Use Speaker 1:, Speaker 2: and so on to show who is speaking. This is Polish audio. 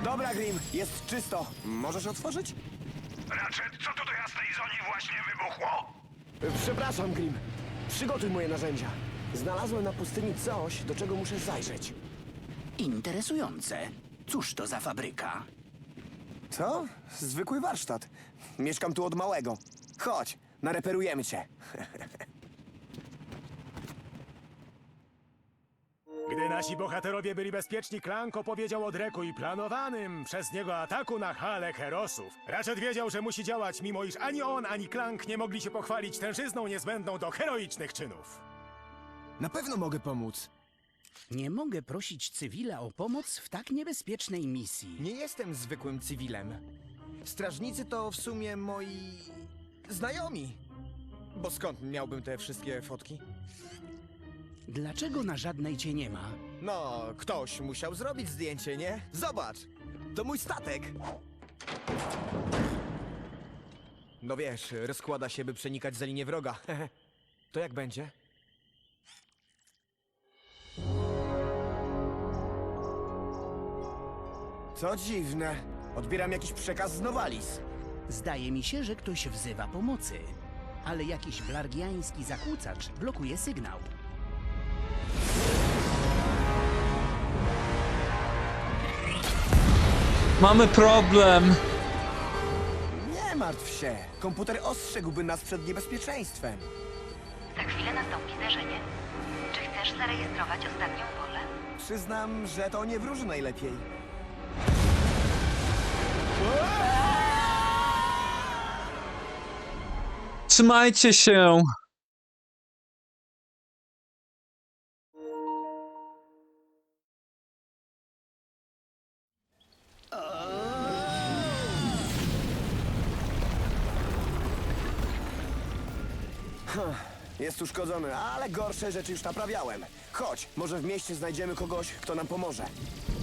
Speaker 1: Dobra, Grim, jest czysto. Możesz otworzyć?
Speaker 2: Ratchet, co tu do jasnej zoni właśnie wybuchło?
Speaker 1: Przepraszam, Grim. Przygotuj moje narzędzia. Znalazłem na pustyni coś, do czego muszę zajrzeć.
Speaker 3: Interesujące. Cóż to za fabryka?
Speaker 1: Co? Zwykły warsztat. Mieszkam tu od małego. Chodź, nareperujemy cię.
Speaker 4: Gdy nasi bohaterowie byli bezpieczni, Clank opowiedział o Dreku i planowanym przez niego ataku na halę Herosów. Ratchet wiedział, że musi działać, mimo iż ani on, ani Clank nie mogli się pochwalić tężyzną niezbędną do heroicznych czynów.
Speaker 1: Na pewno mogę pomóc.
Speaker 3: Nie mogę prosić cywila o pomoc w tak niebezpiecznej misji.
Speaker 5: Nie jestem zwykłym cywilem. Strażnicy to w sumie moi... znajomi. Bo skąd miałbym te wszystkie fotki?
Speaker 3: Dlaczego na żadnej cię nie ma?
Speaker 5: No, ktoś musiał zrobić zdjęcie, nie? Zobacz! To mój statek! No wiesz, rozkłada się, by przenikać za linię wroga. To jak będzie?
Speaker 1: Co dziwne. Odbieram jakiś przekaz z Nowalis.
Speaker 3: Zdaje mi się, że ktoś wzywa pomocy. Ale jakiś blargiański zakłócacz blokuje sygnał.
Speaker 6: Mamy problem.
Speaker 1: Nie martw się. Komputer ostrzegłby nas przed niebezpieczeństwem.
Speaker 7: Za chwilę nastąpi zdarzenie. Czy chcesz zarejestrować ostatnią wolę?
Speaker 1: Przyznam, że to nie wróży najlepiej.
Speaker 6: Trzymajcie się.
Speaker 1: Jest uszkodzony, ale gorsze rzeczy już naprawiałem. Chodź, może w mieście znajdziemy kogoś, kto nam pomoże.